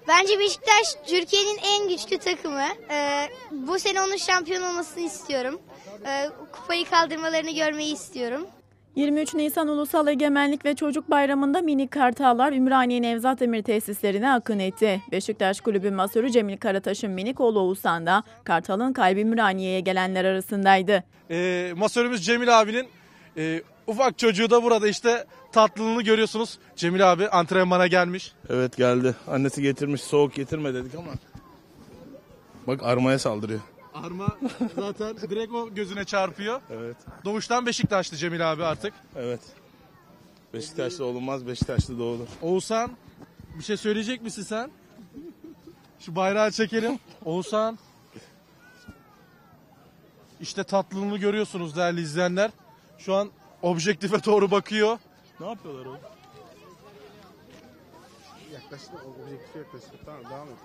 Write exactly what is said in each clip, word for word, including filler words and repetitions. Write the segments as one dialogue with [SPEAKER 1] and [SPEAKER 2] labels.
[SPEAKER 1] Bence Beşiktaş Türkiye'nin en güçlü takımı. Ee, bu sene onun şampiyon olmasını istiyorum. Ee, kupayı kaldırmalarını görmeyi istiyorum.
[SPEAKER 2] yirmi üç Nisan Ulusal Egemenlik ve Çocuk Bayramı'nda minik kartallar Ümraniye Nevzat Demir tesislerine akın etti. Beşiktaş Kulübü masörü Cemil Karataş'ın minik oğlu Oğuzhan da Kartal'ın kalbi Ümraniye'ye gelenler arasındaydı.
[SPEAKER 3] E, masörümüz Cemil abinin e, ufak çocuğu da burada işte tatlılığını görüyorsunuz. Cemil abi antrenmana gelmiş.
[SPEAKER 4] Evet geldi. Annesi getirmiş. Soğuk getirme dedik ama. Bak armaya saldırıyor.
[SPEAKER 3] Arma zaten direkt o gözüne çarpıyor.
[SPEAKER 4] Evet.
[SPEAKER 3] Doğuştan Beşiktaşlı Cemil abi artık.
[SPEAKER 4] Evet. Beşiktaşlı olunmaz, Beşiktaşlı doğulur.
[SPEAKER 3] Oğuzhan bir şey söyleyecek misin sen? Şu bayrağı çekelim. Oğuzhan. İşte tatlılığını görüyorsunuz değerli izleyenler. Şu an objektife doğru bakıyor.
[SPEAKER 4] Ne yapıyorlar o?
[SPEAKER 5] Yaklaştı, objektife yaklaştı. Tamam, devam et.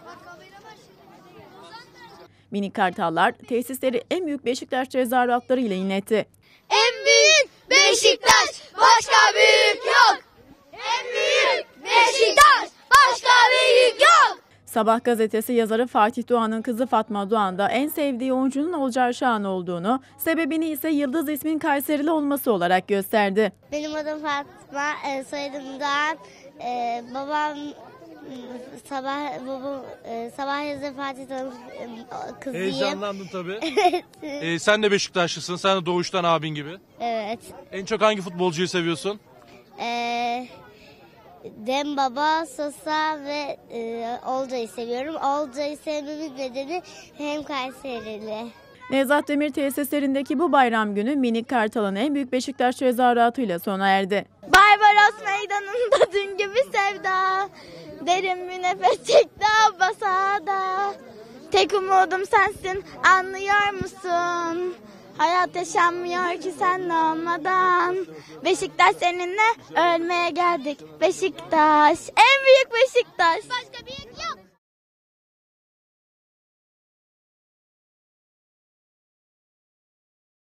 [SPEAKER 2] Minik kartallar tesisleri en büyük Beşiktaş tezahüratları ile inletti.
[SPEAKER 1] En büyük Beşiktaş, başka büyük yok. En büyük Beşiktaş, başka büyük yok.
[SPEAKER 2] Sabah gazetesi yazarı Fatih Doğan'ın kızı Fatma Doğan da en sevdiği oyuncunun Olcay Şahan olduğunu, sebebini ise Yıldız ismin Kayserili olması olarak gösterdi.
[SPEAKER 1] Benim adım Fatma, e, soyadım Doğan. E, babam sabah babam e, sabah yazı Fatih Doğan'ın e, kızıyım.
[SPEAKER 3] Heyecanlandın tabii. ee, sen de Beşiktaşlısın. Sen de doğuştan abin gibi.
[SPEAKER 1] Evet.
[SPEAKER 3] En çok hangi futbolcuyu seviyorsun?
[SPEAKER 1] Ee, Dembaba, Sosa ve e, Olcay'ı seviyorum. Olcay'ı sevmemin nedeni hem Kayserili.
[SPEAKER 2] Nevzat Demir tesislerindeki bu bayram günü minik kartalın en büyük Beşiktaş tezahüratıyla sona erdi.
[SPEAKER 1] Barbaros meydanında dün gibi sevda, derin bir nefes çekti basada. Tek umudum sensin, anlıyor musun? Hayat yaşanmıyor ki sen olmadan. Beşiktaş seninle ölmeye geldik. Beşiktaş, en büyük Beşiktaş. Başka büyük